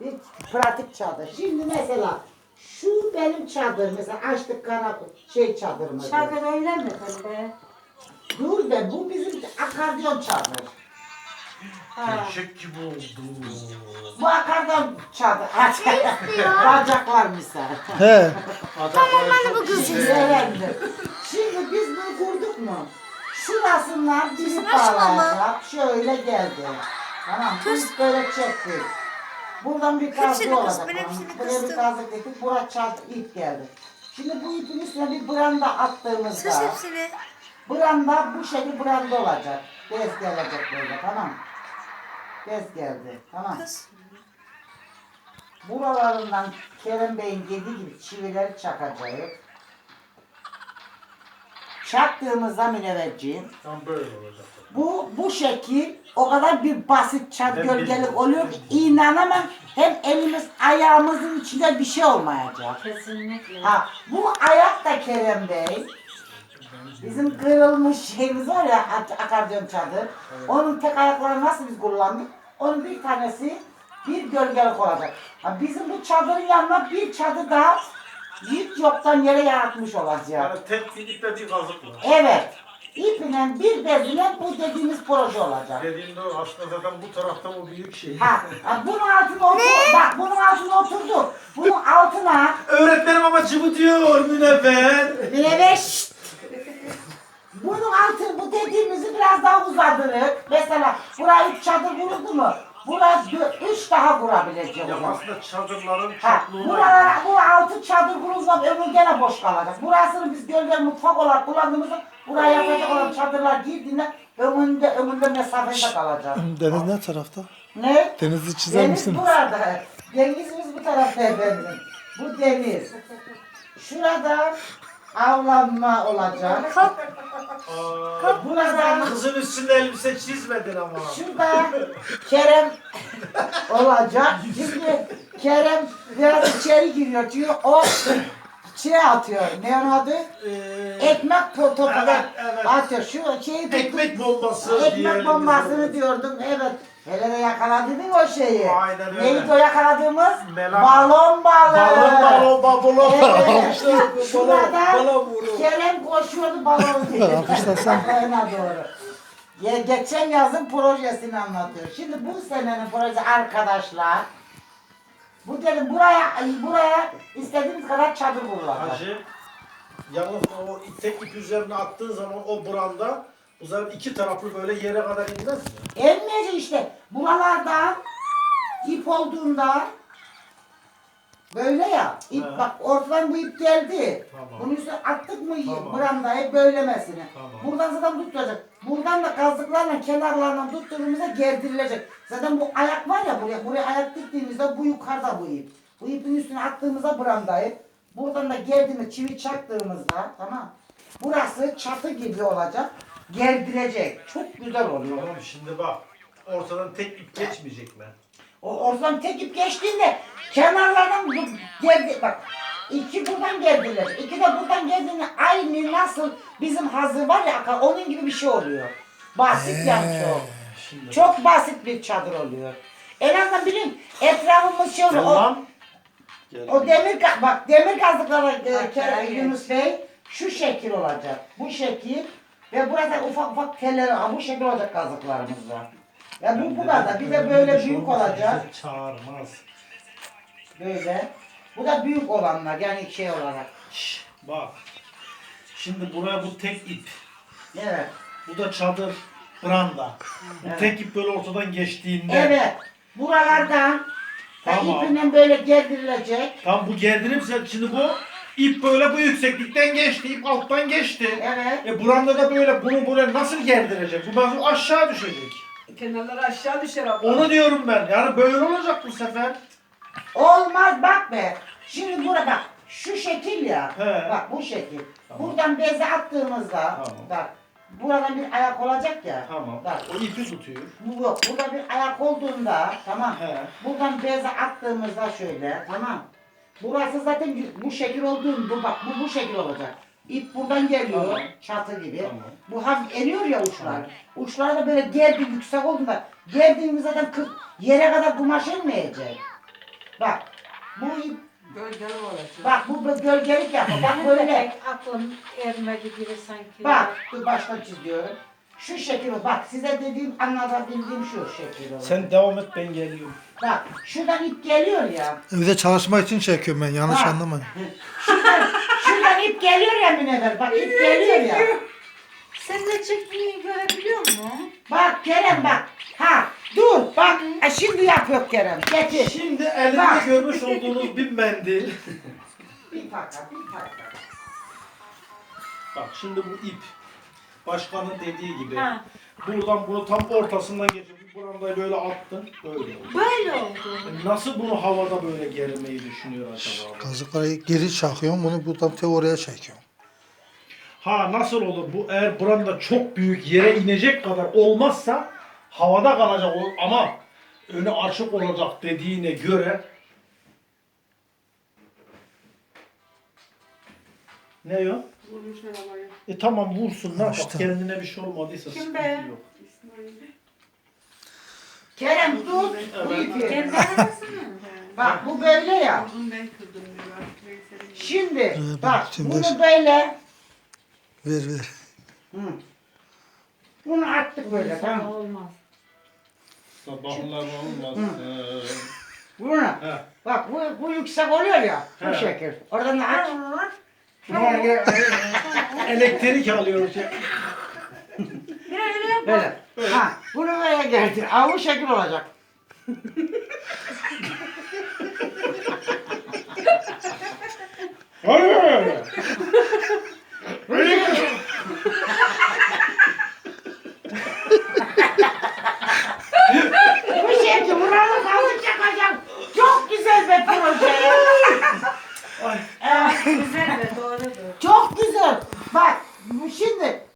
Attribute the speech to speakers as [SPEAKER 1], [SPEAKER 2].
[SPEAKER 1] Bir pratik çadır. Şimdi mesela şu benim çadır. Mesela açtık çadırımızı.
[SPEAKER 2] Çadır öyle mi böyle?
[SPEAKER 1] Dur be, bu bizim akardiyon çadır.
[SPEAKER 3] Eşek gibi oldu.
[SPEAKER 1] Bu akardiyon çadır. Bacaklar misal.
[SPEAKER 4] He.
[SPEAKER 3] Tamam ben de
[SPEAKER 1] Şimdi biz bunu kurduk mu? Şurasından bizi bağlayacak. Şöyle geldi. Tamam, biz böyle çektik. Buradan bir kazık olacak. Buraya bir kazık dedik. Buraya çarptı, ip geldi. Şimdi bu ipin üstüne bir branda attığımızda branda bu şekilde branda olacak. Bez gelecek böyle, tamam. Bez geldi, tamam. Buralarından Kerem Bey'in dediği gibi çivileri çakacağız. Çaktığımızda münevverciğim,
[SPEAKER 3] Tam böyle olacak.
[SPEAKER 1] bu şekil o kadar bir basit çat gölgelik oluyor ki inanamam, hem elimiz ayağımızın içinde bir şey olmayacak.
[SPEAKER 2] Kesinlikle.
[SPEAKER 1] Ha, bu ayak da Kerem Bey, bizim kırılmış şeyimiz var ya, akardiyon çadır, onun tek ayaklarını nasıl biz kullandık, onun bir tanesi bir gölgelik olacak. Ha, bizim bu çadırın yanına bir çadır daha hiç yoktan yere yaratmış olacak.
[SPEAKER 3] Yani tek bir iple bir kazık var.
[SPEAKER 1] Evet. İpinen bir bezine bu dediğimiz proje olacak.
[SPEAKER 3] Dediğimde aslında zaten bu tarafta o büyük şey.
[SPEAKER 1] Ha, bunun altına otur. Bak, bunun altına oturdu. Bunun altına
[SPEAKER 3] Öğretmenim ama cıvıtıyor Münevver.
[SPEAKER 1] Münevver. Bunun altı, bu dediğimizi biraz daha uzadırık. Mesela buraya 3 çadır kuruldu mu? Buraya 3 daha kurabilecek.
[SPEAKER 3] Ya aslında çadırların
[SPEAKER 1] Ha,
[SPEAKER 3] çokluğuna
[SPEAKER 1] bu 6 çadır kurulsa ömür gene boş kalacak. Burasını biz gölge mutfak olarak kullandığımızda buraya yapacak olan çadırlar girdiğinde ömründe mesafede kalacak.
[SPEAKER 4] Deniz ne tarafta?
[SPEAKER 1] Ne?
[SPEAKER 4] Denizi çizer
[SPEAKER 1] Deniz
[SPEAKER 4] misiniz?
[SPEAKER 1] burada. Denizimiz bu tarafta efendim. Bu deniz. Şurada avlanma olacak. Burada
[SPEAKER 3] kızın üstünde elbise çizmedin ama.
[SPEAKER 1] şurada Kerem olacak. Şimdi Kerem biraz içeri giriyor diyor. O atıyor. Ne onun adı? Ekmek topu
[SPEAKER 3] evet.
[SPEAKER 1] atıyor. Şu şeyi
[SPEAKER 3] Ekmek bombası
[SPEAKER 1] ekmek
[SPEAKER 3] diyelim
[SPEAKER 1] bombasını
[SPEAKER 3] biz
[SPEAKER 1] diyordum. Evet. Hele de yakaladın mı o şeyi?
[SPEAKER 3] Aynen öyle.
[SPEAKER 1] Neydi o yakaladığımız?
[SPEAKER 3] Melan.
[SPEAKER 1] Balon balığı.
[SPEAKER 3] Balon.
[SPEAKER 1] Evet. Şurada Kerem koşuyordu balon diye. Balona doğru. Ya, geçen yazın projesini anlatıyor. Şimdi bu senenin projesi arkadaşlar. Bu dedim buraya istediğimiz kadar çadır kurulacak.
[SPEAKER 3] Hacı, yalnız o tek ip üzerine attığın zaman o branda o zaman iki taraflı böyle yere kadar inmez mi?
[SPEAKER 1] Emmeyecek işte. Buralarda ip olduğunda böyle ya. İp
[SPEAKER 3] He.
[SPEAKER 1] bak ortadan bu ip geldi.
[SPEAKER 3] Tamam.
[SPEAKER 1] Bunun üstüne attık mı
[SPEAKER 3] Tamam.
[SPEAKER 1] brandayı böylemesine.
[SPEAKER 3] Tamam.
[SPEAKER 1] Buradan zaten tutacak. Buradan da kazıklarla kenarlarından tuttuğumuzda gerdirilecek. Zaten bu ayak var ya buraya ayak diktiğimizde bu yukarıda bu ip. Bu ipin üstüne attığımızda brandayı. Buradan da gerdiğimiz çivi çaktığımızda, tamam. Burası çatı gibi olacak. Gerdirecek. Çok güzel oluyor.
[SPEAKER 3] Tamam şimdi bak ortadan tek ip geçmeyecek mi?
[SPEAKER 1] O oradan tek ip geçtiğinde kenarlardan geldi bak. İki buradan geldiler. İki de buradan geldiğinde aynı nasıl bizim hazır var ya onun gibi bir şey oluyor. Basit yani çok.
[SPEAKER 3] Şimdi
[SPEAKER 1] Çok basit bir çadır oluyor. En azından bilin etrafımız şey oluyor.
[SPEAKER 3] tamam.
[SPEAKER 1] O demir kazıklara Yunus Bey şu şekil olacak. Bu şekil ve burada ufak ufak teller bu şekil olacak kazıklarımızda. Ya bu kadar. Bir de böyle büyük olacak.
[SPEAKER 3] Çağırmaz.
[SPEAKER 1] Böyle. Bu da büyük olanlar yani şey olarak.
[SPEAKER 3] Bak. Şimdi buraya bu tek ip.
[SPEAKER 1] Evet.
[SPEAKER 3] Bu da çadır branda. Bu
[SPEAKER 1] Evet.
[SPEAKER 3] tek ip böyle ortadan geçtiğinde.
[SPEAKER 1] Evet. Buralardan
[SPEAKER 3] Tamam.
[SPEAKER 1] ipinden böyle gerdirilecek.
[SPEAKER 3] Tam bu gerdirirse şimdi bu ip böyle bu yükseklikten geçti. İp alttan geçti.
[SPEAKER 1] Evet.
[SPEAKER 3] Buranda da böyle bunu böyle nasıl gerdirecek? Bu nasıl aşağı düşecek?
[SPEAKER 5] Kenarları aşağı düşer abla.
[SPEAKER 3] Onu diyorum ben. Yani böyle olacak bu sefer.
[SPEAKER 1] Olmaz bak be. Şimdi burada bak. Şu şekil ya.
[SPEAKER 3] He.
[SPEAKER 1] Bak bu şekil.
[SPEAKER 3] Tamam.
[SPEAKER 1] Buradan beze attığımızda
[SPEAKER 3] Tamam.
[SPEAKER 1] bak. Buradan bir ayak olacak ya.
[SPEAKER 3] Tamam.
[SPEAKER 1] Bak.
[SPEAKER 3] O ipi tutuyor.
[SPEAKER 1] Bu yok. Burada bir ayak olduğunda tamam.
[SPEAKER 3] He.
[SPEAKER 1] Buradan beze attığımızda şöyle tamam. Burası zaten bu şekil olduğunda bak bu şekil olacak. İp buradan geliyor
[SPEAKER 3] Tamam.
[SPEAKER 1] çatı gibi.
[SPEAKER 3] Tamam.
[SPEAKER 1] Bu hafif eriyor ya uçlar.
[SPEAKER 3] Tamam.
[SPEAKER 1] Uçlar da böyle gerdi yüksek olduğunda gerdiğimiz zaten yere kadar kumaş inmeyecek. Bak. Bu ip,
[SPEAKER 5] Gölgeli olacak.
[SPEAKER 1] bak bu gölgelik yapıyor. Bak böyle.
[SPEAKER 2] Aklım ermedi gibi sanki.
[SPEAKER 1] Bak dur başka çiziyorum. Şu şekil o. Bak size dediğim anlatabildiğim şu şekil olur.
[SPEAKER 3] Sen devam et ben geliyorum.
[SPEAKER 1] Bak şuradan ip geliyor ya.
[SPEAKER 4] Evde çalışmak için çekiyorum ben. Yanlış
[SPEAKER 1] Ha.
[SPEAKER 4] anlamayın.
[SPEAKER 1] Şuradan ip geliyor ya Münevver. Bak ip geliyor ya.
[SPEAKER 2] Sen de çektiğini görebiliyor musun?
[SPEAKER 1] Bak Kerem bak. Ha dur bak. Şimdi yapıyor Kerem. Getir.
[SPEAKER 3] Şimdi elimde
[SPEAKER 1] Bak.
[SPEAKER 3] görmüş olduğunuz bir mendil.
[SPEAKER 1] Bir taka bir taka.
[SPEAKER 3] Bak şimdi bu ip. Başkanın dediği gibi.
[SPEAKER 2] Ha.
[SPEAKER 3] Buradan bunu tam ortasından geçip bu brandayı böyle attın. Böyle oldu.
[SPEAKER 2] Böyle oldu.
[SPEAKER 3] Nasıl bunu havada böyle germeyi düşünüyor acaba?
[SPEAKER 4] Kazıkları geri çakıyorum. Bunu buradan oraya çekiyorum.
[SPEAKER 3] Ha nasıl olur bu eğer branda çok büyük yere inecek kadar olmazsa havada kalacak ama önü açık olacak dediğine göre ne o?
[SPEAKER 5] Vurmuş arabayı.
[SPEAKER 3] Tamam vursun ne
[SPEAKER 4] İşte.
[SPEAKER 3] bak kendine bir şey olmadıysa
[SPEAKER 2] Kim
[SPEAKER 3] sıkıntı
[SPEAKER 2] be?
[SPEAKER 3] yok.
[SPEAKER 1] Kerem tut bu ipi.
[SPEAKER 2] Kendi arası mı?
[SPEAKER 1] Bak bu böyle ya.
[SPEAKER 5] Bunu ben kırdım diyor. Veysel'in
[SPEAKER 1] Şimdi
[SPEAKER 4] Evet,
[SPEAKER 1] bak
[SPEAKER 4] şimdi
[SPEAKER 1] bunu böyle.
[SPEAKER 4] Ver ver.
[SPEAKER 1] Hı. Bunu attık böyle tamam.
[SPEAKER 2] Olmaz.
[SPEAKER 3] Sabahlar olmaz.
[SPEAKER 1] Bunu.
[SPEAKER 3] He.
[SPEAKER 1] Bak bu yüksek oluyor ya. Bu
[SPEAKER 3] He.
[SPEAKER 1] şekil. Oradan da aç.
[SPEAKER 3] Elektrik alıyor şey.
[SPEAKER 1] Böyle. Ha, bunu böyle getir. Aa, bu şekil olacak.
[SPEAKER 3] Hayır.
[SPEAKER 1] Bu şekil. Buranın kazık çakacak. Çok güzel bir proje.
[SPEAKER 2] Güzel ve doğrudur.
[SPEAKER 1] Çok güzel. Bak bu şimdi